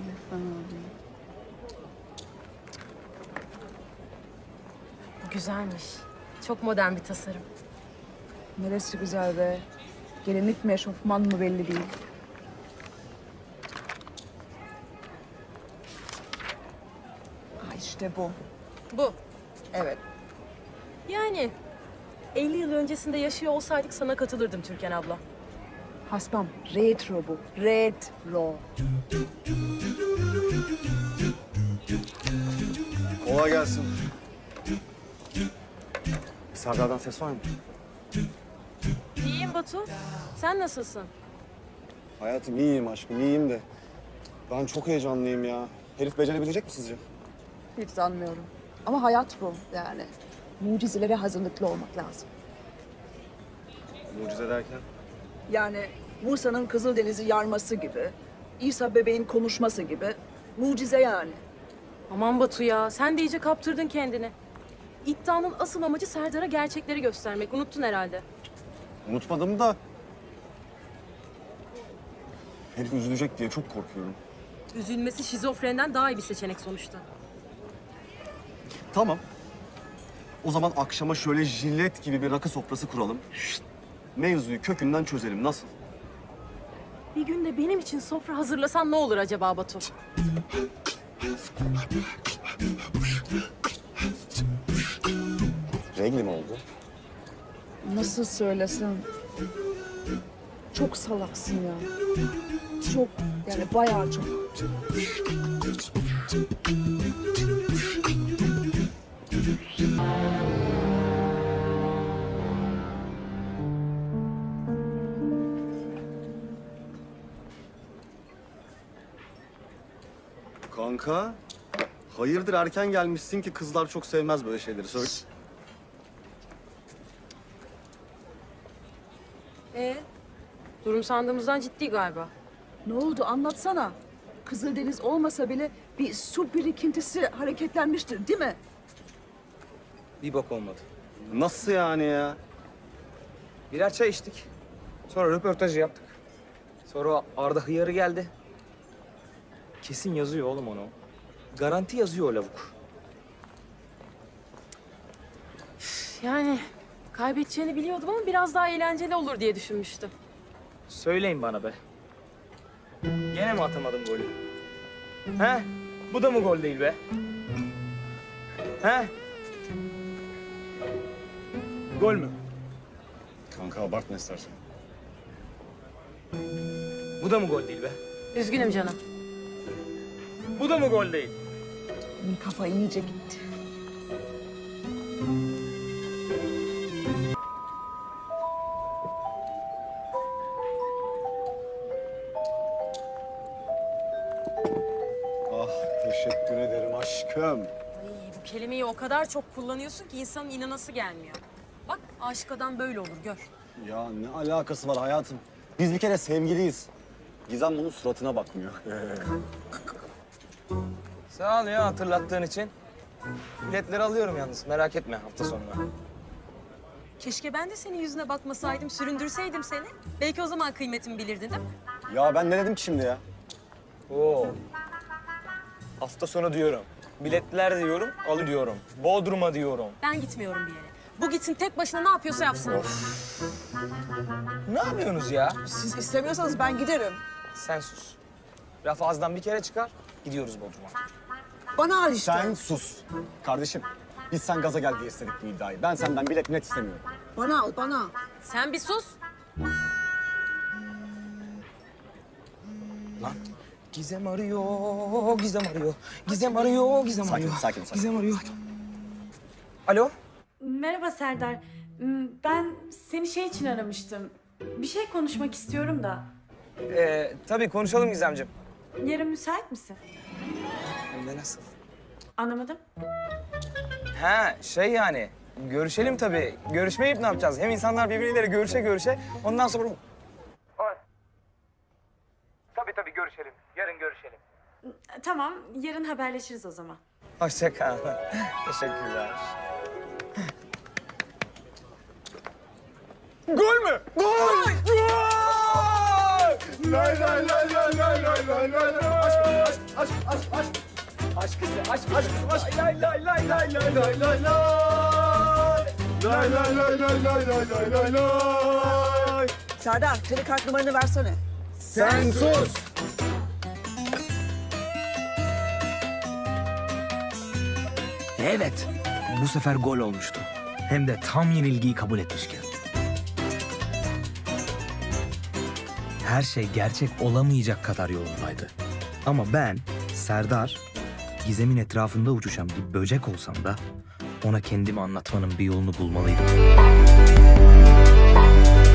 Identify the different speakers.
Speaker 1: Bu güzelmiş. Çok modern bir tasarım.
Speaker 2: Neresi güzel be? Gelinlik mi, eşofman mı belli değil. İşte bu.
Speaker 1: Bu.
Speaker 2: Evet.
Speaker 1: Yani 50 yıl öncesinde yaşıyor olsaydık sana katılırdım Türkan abla.
Speaker 2: Hasbam, retro bu. Retro.
Speaker 3: Kolay gelsin. Serdar'dan ses var mı?
Speaker 1: İyiyim Batu. Sen nasılsın?
Speaker 3: Hayatım iyiyim aşkım, iyiyim de. Ben çok heyecanlıyım ya. Herif becerebilecek mi sizce?
Speaker 2: Hiç sanmıyorum. Ama hayat bu yani. Mucizelere hazırlıklı olmak lazım.
Speaker 3: Mucize derken?
Speaker 2: Yani Musa'nın Kızıldeniz'i yarması gibi, İsa bebeğin konuşması gibi mucize yani.
Speaker 1: Aman Batu ya, sen de iyice kaptırdın kendini. İddianın asıl amacı Serdar'a gerçekleri göstermek. Unuttun herhalde.
Speaker 3: Unutmadım da... Herif üzülecek diye çok korkuyorum.
Speaker 1: Üzülmesi şizofrenden daha iyi bir seçenek sonuçta.
Speaker 3: Tamam. O zaman akşama şöyle jilet gibi bir rakı sofrası kuralım. Mevzuyu kökünden çözelim. Nasıl?
Speaker 1: Bir gün de benim için sofra hazırlasan ne olur acaba Batu?
Speaker 3: Regli mi oldu?
Speaker 2: Nasıl söylesem? Çok salaksın ya. Çok, yani bayağı çok.
Speaker 3: Kanka, hayırdır erken gelmişsin ki kızlar çok sevmez böyle şeyleri. Söyle.
Speaker 1: Durum sandığımızdan ciddi galiba.
Speaker 2: Ne oldu anlatsana. Kızıldeniz olmasa bile bir su birikintisi hareketlenmiştir değil mi?
Speaker 4: Bir bok olmadı.
Speaker 3: Nasıl yani ya?
Speaker 4: Birer çay içtik. Sonra röportajı yaptık. Sonra Arda hıyarı geldi. Kesin yazıyor oğlum onu. Garanti yazıyor o lavuk.
Speaker 1: Yani kaybedeceğini biliyordum ama biraz daha eğlenceli olur diye düşünmüştüm.
Speaker 4: Söyleyin bana be. Gene mi atamadım golü? He? Bu da mı gol değil be? He? Gol mü?
Speaker 3: Kanka abartma istersen.
Speaker 4: Bu da mı gol değil be?
Speaker 1: Üzgünüm canım.
Speaker 4: Bu da mı gol değil?
Speaker 2: Benim kafa iyice gitti.
Speaker 3: Ah teşekkür ederim aşkım.
Speaker 1: Ay, bu kelimeyi o kadar çok kullanıyorsun ki insanın inanası gelmiyor. Bak aşık adam böyle olur gör.
Speaker 3: Ya ne alakası var hayatım? Biz bir kere sevgiliyiz. Gizem bunun suratına bakmıyor.
Speaker 4: Sağ ol ya hatırlattığın için. Biletleri alıyorum yalnız merak etme hafta sonuna.
Speaker 1: Keşke ben de senin yüzüne bakmasaydım, süründürseydim seni. Belki o zaman kıymetimi bilirdin değil mi?
Speaker 3: Ya ben ne dedim ki şimdi ya?
Speaker 4: Oo. Hafta sonu diyorum. Biletler diyorum, alıyorum. Bodrum'a diyorum.
Speaker 1: Ben gitmiyorum bir yere. Bu gitsin tek başına ne yapıyorsa yapsın.
Speaker 4: Ne yapıyorsunuz ya?
Speaker 2: Siz istemiyorsanız ben giderim.
Speaker 4: Sen sus. Laf ağızdan bir kere çıkar, gidiyoruz Bodrum'a.
Speaker 2: Bana al işte.
Speaker 3: Sen sus. Kardeşim biz sen gaza gel diye istedik bu iddiayı. Ben senden bilet net istemiyorum.
Speaker 2: Bana al, bana.
Speaker 1: Sen bir sus.
Speaker 4: Lan. Gizem arıyor, Gizem arıyor. Gizem arıyor, Gizem
Speaker 3: Sakin,
Speaker 4: arıyor.
Speaker 3: sakin, sakin.
Speaker 4: Gizem arıyor. Alo?
Speaker 5: Merhaba Serdar. Ben seni şey için aramıştım. Bir şey konuşmak istiyorum da.
Speaker 4: Tabii konuşalım Gizemciğim.
Speaker 5: Yarın müsait misin?
Speaker 4: Hem de nasıl?
Speaker 5: Anlamadım.
Speaker 4: Ha şey yani, görüşelim tabii. Görüşmeyip ne yapacağız? Hem insanlar birbirleriyle görüşe ondan sonra... Tabii görüşelim. Yarın görüşelim.
Speaker 5: Tamam, yarın haberleşiriz o zaman.
Speaker 4: Hoşça kal. Teşekkürler. Gol mü? Gol! Gol!
Speaker 3: Lay lay lay lay
Speaker 2: Serdar, kredi kart numaranı versene.
Speaker 3: Sen sus!
Speaker 4: Evet, bu sefer gol olmuştu. Hem de tam yenilgiyi kabul etmişken. Her şey gerçek olamayacak kadar yolundaydı. Ama ben, Serdar, Gizem'in etrafında uçuşan bir böcek olsam da ona kendimi anlatmanın bir yolunu bulmalıydım.